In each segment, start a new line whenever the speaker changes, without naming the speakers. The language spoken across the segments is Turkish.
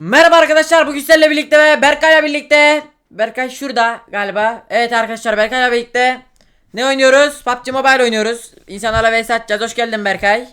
Merhaba arkadaşlar, bugün sizlerle birlikte ve Berkay'la birlikte. Berkay şurada galiba. Evet arkadaşlar, Berkay'la birlikte ne oynuyoruz? PUBG Mobile oynuyoruz. İnsanlarla vs atacağız. Hoş geldin Berkay.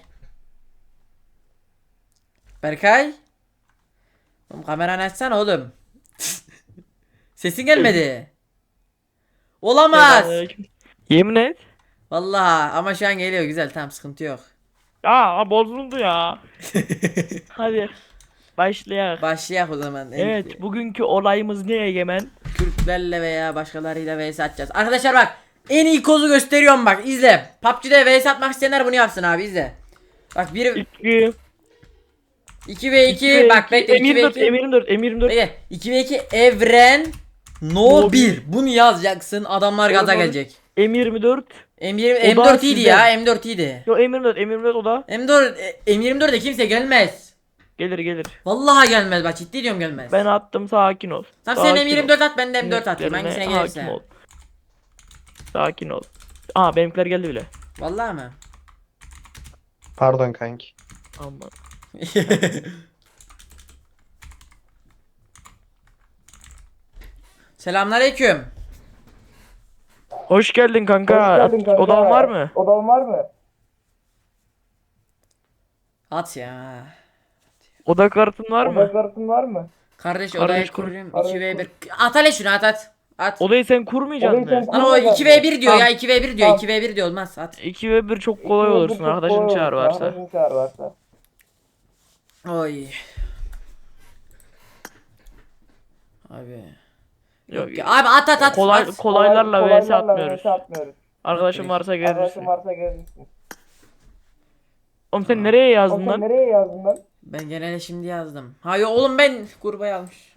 Berkay. Oğlum kameranı açsana oğlum. Sesin gelmedi. Olamaz.
Selamünaleyküm. Yemin et.
Vallahi ama şu an geliyor, güzel, tamam, sıkıntı yok.
Aa bozuldu ya. Hadi başlayalım.
Başlayalım o zaman.
Evet, bugünkü olayımız ne Egemen?
Türklerle veya başkalarıyla vs atacağız. Arkadaşlar bak, en iyi kozu gösteriyorum, bak izle. PUBG'de vs atmak isteyenler bunu yapsın abi, izle. Bak 2 ve 2 bak bekle, 2 ve 2
M24
bekle, 2 ve 2 evren no 1 bunu yazacaksın, adamlar gaza gelecek.
M24.
M4 iyiydi ya, M4 iyiydi.
Yo M24 o da.
M24'de kimse gelmez.
Gelir.
Vallahi gelmez, bak ciddi diyorum, gelmez.
Ben attım, sakin ol.
Tamam sen
Sakin ol.
M24 at, ben de M4 atayım, hangisine
Hakim
gelirse.
ol. Sakin ol. Aa benimkiler geldi bile.
Vallahi mı?
Pardon kanki.
Aman.
Selamünaleyküm.
Hoş geldin kanka. Odan var mı?
Odan var mı?
At ya.
Oda kartın var mı?
Kartın var mı?
Kardeş
Kardeş
odaya
kur.
kurayım. 2v1. At hele şunu, at. At.
Odayı sen kurmayacaksın
Odayı
mı?
sen-
Lan o 2v1 diyor
Tamam.
ya, 2v1 diyor. 2v1 diyor, olmaz, at.
2 ve 1 çok kolay olursun. Arkadaşın çağır varsa.
Arkadaşın çağır varsa.
Oy. Abi.
Yok,
Ya abi at at.
kolaylarla vs atmıyoruz.
atmıyoruz.
Arkadaşın varsa gelirsin.
Arkadaşın varsa gelirsin.
Oğlum sen nereye yazdın
Oğlum sen
lan?
nereye yazdın lan?
Ben genelde şimdi yazdım. Hayır oğlum, ben kurbayı almış.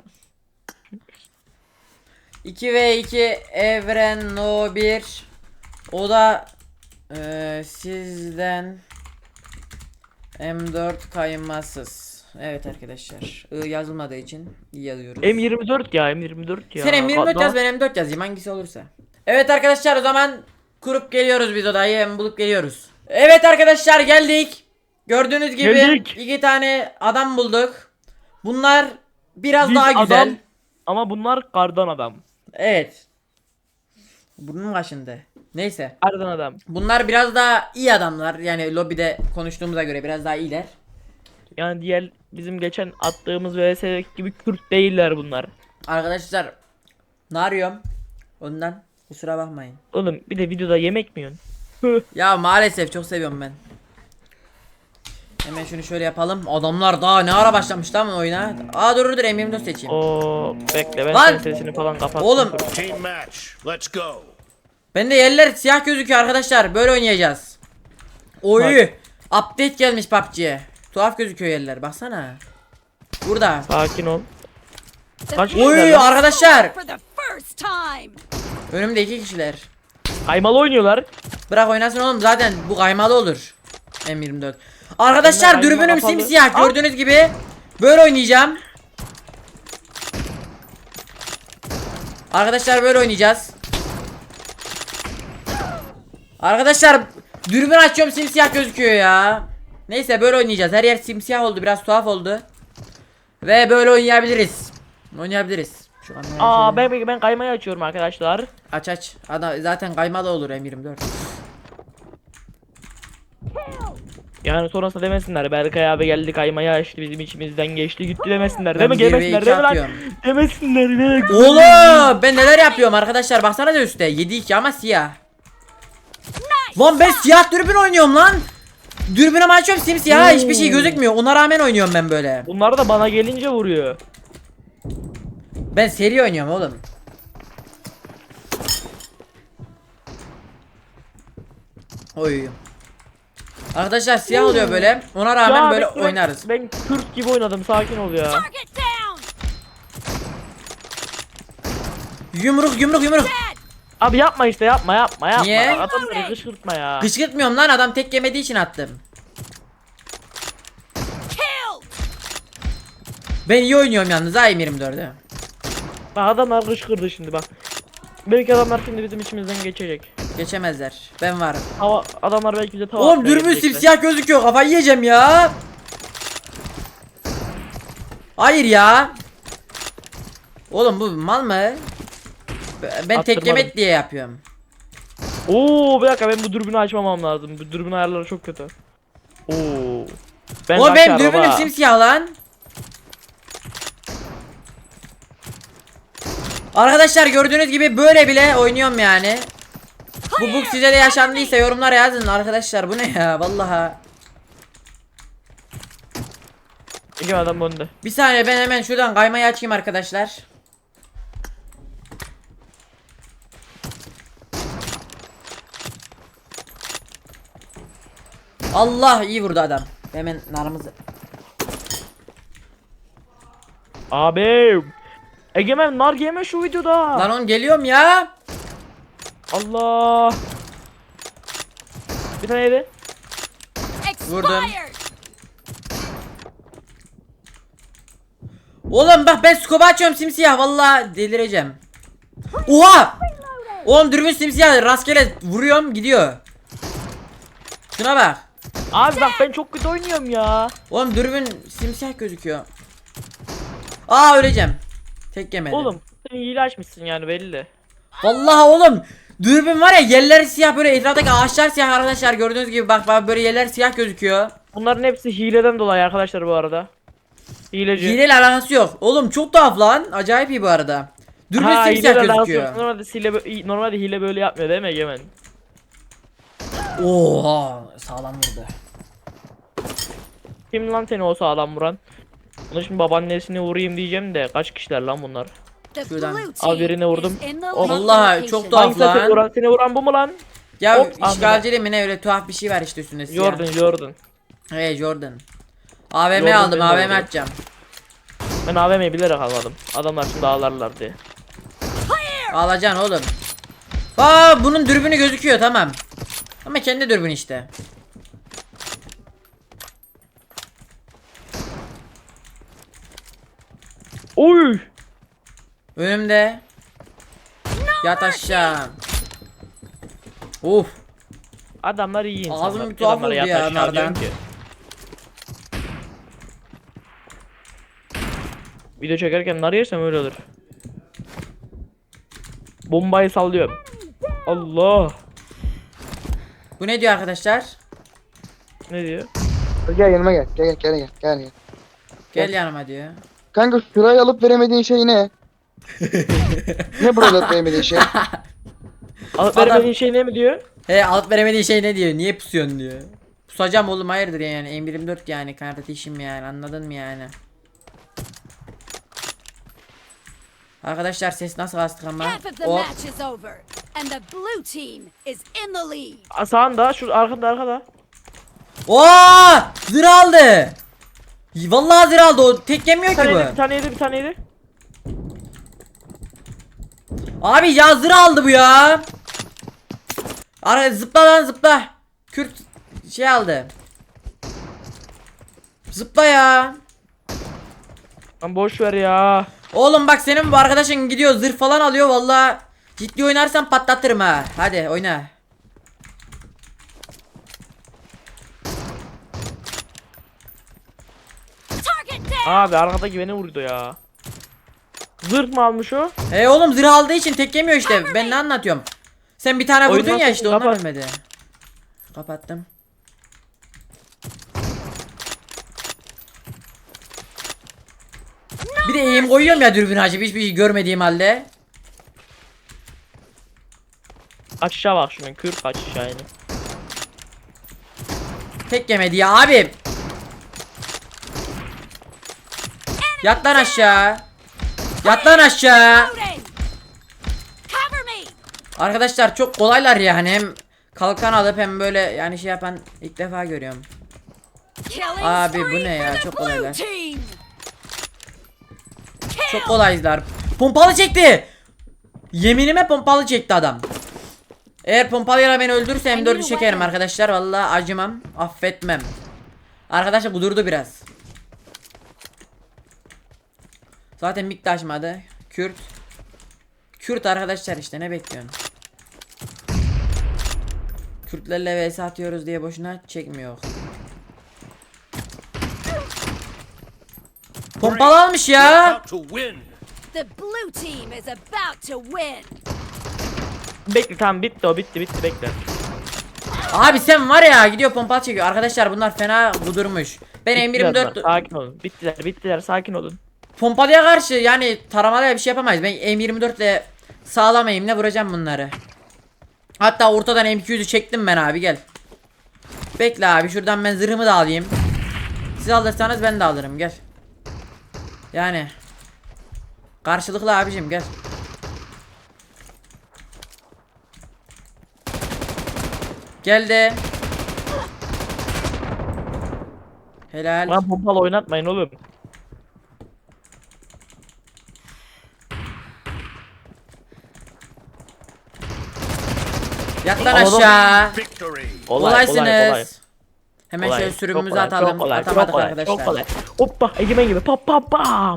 2v2 evren no 1. O da sizden M4 kaymasız. Evet arkadaşlar. Yazılmadığı için iyi yazıyoruz.
M24 ya M24 ya.
Sen M24 yaz, ben M4 yazayım, hangisi olursa. Evet arkadaşlar, o zaman kurup geliyoruz biz odayı, hem bulup geliyoruz. Evet arkadaşlar, geldik. Gördüğünüz gibi
Geldik.
2 tane adam bulduk. Bunlar biraz
Biz
daha güzel.
adam, ama bunlar kardan adam.
Evet. Burnum kaşındı. Neyse.
Kardan adam.
Bunlar biraz daha iyi adamlar. Yani lobide konuştuğumuza göre biraz daha iyiler.
Yani diğer bizim geçen attığımız vs gibi Kürt değiller bunlar.
Arkadaşlar ne arıyorum? Ondan kusura bakmayın.
Oğlum bir de videoda yemek mi yiyorsun?
Ya maalesef çok seviyorum ben. Hemen şunu şöyle yapalım. Adamlar daha ne ara başlamış lan oyuna. Aa dur M24 seçeyim.
Oo bekle ben
Lan!
senin sesini falan kapattım.
Oğlum.
Dur.
Team match. Let's go.
Bende yerler siyah gözüküyor arkadaşlar. Böyle oynayacağız. Oy. Update gelmiş PUBG'ye. Tuhaf gözüküyor yerler. Baksana. Burada.
Sakin ol. Kaç
Oy
kişiler lan?
arkadaşlar.
For the first time.
Önümde 2 kişiler.
Kaymalı oynuyorlar.
Bırak oynasın oğlum, zaten bu kaymalı olur. M24. Arkadaşlar
Bunlar
dürbünüm
kapalı.
simsiyah,
Al.
gördüğünüz gibi. Böyle oynayacağım. Arkadaşlar böyle oynayacağız. Arkadaşlar dürbün açıyorum, simsiyah gözüküyor ya. Neyse böyle oynayacağız. Her yer simsiyah oldu, biraz tuhaf oldu. Ve böyle oynayabiliriz. Şu kamerayı
Aa
şöyle-
ben kaymayı açıyorum arkadaşlar.
Aç. Adam zaten kaymalı olur M24.
Yani sonrasında demesinler Berkay abi geldi kaymayı açtı bizim içimizden geçti gitti demesinler.
Ben
Değil mi?
1 ve 2
Demesinler değil mi lan?
atıyorum.
Demesinler ne?
Oğlum ben neler yapıyorum arkadaşlar, baksana da üstte 7-2 ama siyah. Lan ben siyah dürbün oynuyorum lan. Dürbünümü açıyorum, simsiyah, hiçbir şey gözükmüyor. Ona rağmen oynuyorum ben böyle.
Bunlar da bana gelince vuruyor.
Ben seri oynuyorum oğlum. Oy. Arkadaşlar siyah oluyor böyle. Ona rağmen
Ya
böyle
bekle,
oynarız.
Ben Kürt gibi oynadım, sakin ol ya.
Target down.
Yumruk.
Abi yapma işte yapma.
Niye?
Adamları kışkırtma ya.
Kışkırtmıyorum lan, adam tek yemediği için attım.
Killed.
Ben iyi oynuyorum yalnız ha M24'ü.
Bak adamlar kışkırdı şimdi bak. Belki adamlar şimdi bizim içimizden geçecek.
Geçemezler. Ben varım.
Adamlar belki bize tava
Oğlum
atmaya
dürbün
gelecekler.
simsiyah gözüküyor, kafayı yiyeceğim ya. Hayır ya. Oğlum bu mal mı? Ben tek
Attırmadım.
yemek diye yapıyorum.
Oo bir dakika, ben bu dürbünü açmamam lazım. Bu dürbün ayarları çok kötü. Oo. Ben
O benim
kaçarım
dürbünüm
ha.
simsiyah lan. Arkadaşlar gördüğünüz gibi böyle bile oynuyorum yani. Bu bug size de yaşandıysa yorumlara yazın arkadaşlar, bu ne ya vallahi.
İki adam önde.
Bir saniye, ben hemen şuradan kaymayı açayım arkadaşlar. Allah, iyi vurdu adam. Hemen narımızı.
Abi. Egemen nar yeme şu videoda.
Lan oğlum geliyorum ya.
Allah. Bir tane yedi.
Vurdum.
Expired.
Oğlum bak, ben scope açıyorum simsiyah, vallahi delireceğim. Oha! Oğlum dürbün simsiyah, rastgele vuruyorum gidiyor. Şuna bak.
Abi bak ben çok kötü oynuyorum ya.
Oğlum dürbün simsiyah gözüküyor. Aa, öleceğim. Tek yemedim.
Oğlum sen hile açmışsın yani belli.
Vallahi oğlum, dürbün var ya, yerler siyah, böyle etraftaki ağaçlar siyah arkadaşlar, gördüğünüz gibi bak böyle yerler siyah gözüküyor.
Bunların hepsi hileden dolayı arkadaşlar bu arada. Hileci.
Hileyle alakası yok. Oğlum çok tuhaf lan. Acayip iyi bu arada. Dürbün
Ha,
simsiyah
hileyle alakası yok.
gözüküyor.
Normalde hile böyle yapmıyor değil mi Egemen?
Oha, sağlam vurdu.
Kim lan seni o sağlam vuran? Bunu şimdi babaannesini vurayım diyeceğim de kaç kişiler lan bunlar?
The
Şuradan.
blue
Al birine
team
vurdum.
is in the
O-
lead
Vallahi
location.
çok tuhaf
Hangisi seni
lan.
vuran? Seni vuran bu mu lan?
Ya
Hop,
işgalci mi ne, öyle tuhaf bir şey var işte üstünde siyah.
Jordan.
Hey Jordan. AVM
Jordan
aldım,
benim de
AVM
oldu.
açacağım.
Ben AVM'yi bilerek almadım. Adamlar şimdi ağlarlar diye.
Alacaksın oğlum. Aa, bunun dürbünü gözüküyor, tamam. Ama kendi dürbün işte.
Oy!
Önümde. Yat aşağı. Uf.
Adamlar iyi insanlar.
Ağzım bir tuhaf
Adamlara
oldu ya
yat aşağı
onlardan.
diyorum ki. Video çekerken nar yersem öyle olur. Bombayı sallıyorum. Allah!
Bu ne diyor arkadaşlar?
Ne diyor?
Gel yanıma gel. Gel.
Gel yanıma diyor.
Kanka şurayı alıp veremediğin şey ne? Ne burayı alıp veremediğin şey?
Alıp
Adam-
veremediğin şey ne mi diyor?
He, alıp veremediği şey ne diyor? Niye pusuyorsun diyor. Pusacağım oğlum, hayırdır yani, M24 yani, kardeşim yani, anladın mı yani? Arkadaşlar ses nasıl astık ama?
Half of the
O
match is over, and the blue team is in the lead.
Aa, sağında, şu arkada.
Oo! Zırh aldı. Vallahi zırh aldı, o tek yemiyor ki
Bir
bu.
tane yedi.
Abi ya, zırh aldı bu ya. Zıpla lan zıpla. Kürt şey aldı. Zıpla ya.
Lan boş ver ya.
Oğlum bak, senin bu arkadaşın gidiyor zırh falan alıyor, vallahi ciddi oynarsan patlatırım ha. Hadi oyna.
Target down.
Abi arkadaki beni vurdu ya. Zırh mı almış o?
Oğlum zırh aldığı için tek yemiyor işte. Ben ne anlatıyorum? Sen bir tane vurdun
Oyundan
ya işte, ondan
kapat.
ölmedi. Kapattım. Bir de eğim koyuyorum ya dürbün açıp, hiçbir şey görmediğim halde.
Aşağı bak şunun, kür kaç aşağı yani.
Tek yemedi ya abi. Yat lan aşağı. Yat lan aşağı.
Loading. Cover me.
Arkadaşlar çok kolaylar yani, hem kalkan alıp hem böyle yani şey yapan ilk defa görüyorum.
Killing
Abi, bu
spree
ne ya?
for the
Çok
blue
kolaylar.
team.
Çok kolaylar. Pompalı çekti. Yeminime pompalı çekti adam. Eğer pompalıyla beni öldürürse M4'ü çekerim arkadaşlar. Vallahi acımam, affetmem. Arkadaşlar kudurdu biraz. Zaten mik de açmadı. Kürt arkadaşlar, işte ne bekliyorsun? Kürtlerle vs atıyoruz diye boşuna çekmiyor. Pompalı Pompalı almış
We're
ya.
about to win.
The blue team is about to win.
Bekle tamam bitti o bitti bekle.
Abi sen var ya, gidiyor pompalı çekiyor. Arkadaşlar bunlar fena kudurmuş. Ben
Bittiler
M24
bunlar, sakin olun. Bittiler sakin olun.
pompalıya karşı yani taramalıya bir şey yapamayız. Ben M24 ile sağlam eğimle vuracağım bunları. Hatta ortadan M200'ü çektim ben abi, gel. Bekle abi, şuradan ben zırhımı da alayım. Siz alırsanız ben de alırım, gel. Yani karşılıklı abicim, gel. Geldi. Helal.
Bana pompalı oynatmayın oğlum.
Yat lan
Alalım.
aşağı.
Victory.
Kolaysınız. Hemen
Kolay,
şöyle
çok
sürümümüzü
kolay,
atalım.
çok kolay,
Atamadık
çok kolay,
arkadaşlar.
Çok kolay. Hoppa egemen gibi pam pam pam.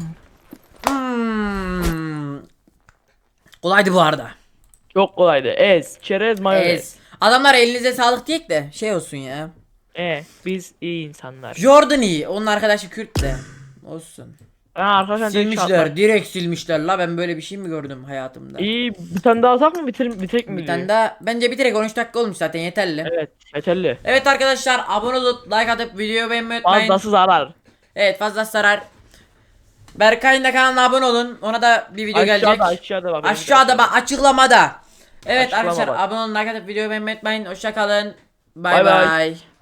Kolaydı bu arada.
Çok kolaydı. Çerez, mayonez.
Ez. Adamlar elinize sağlık diyek de şey olsun ya.
Biz iyi insanlar.
Jordan iyi. Onun arkadaşı Kürt de. Olsun.
Arkadaşlar
Silmişler. Direkt silmişler la. Ben böyle bir şey mi gördüm hayatımda?
İyi bir tane daha atak mı bitirek mi?
Bir tane daha. Bence bitirek, 13 dakika olmuş zaten, yeterli.
Evet yeterli.
Evet arkadaşlar, abone olup like atıp videoyu beğenmeyi unutmayın.
Fazlası zarar.
Evet, fazla sarar. Berkay'ın da kanalına abone olun. Ona da bir video gelecek.
Aşağıda bak.
Aşağıda bak, açıklamada. Evet
Açıklama
arkadaşlar,
bak.
abone olun, like atıp videoyu beğenmeyi unutmayın. Hoşça kalın.
Bay
Bay
bay.
bay.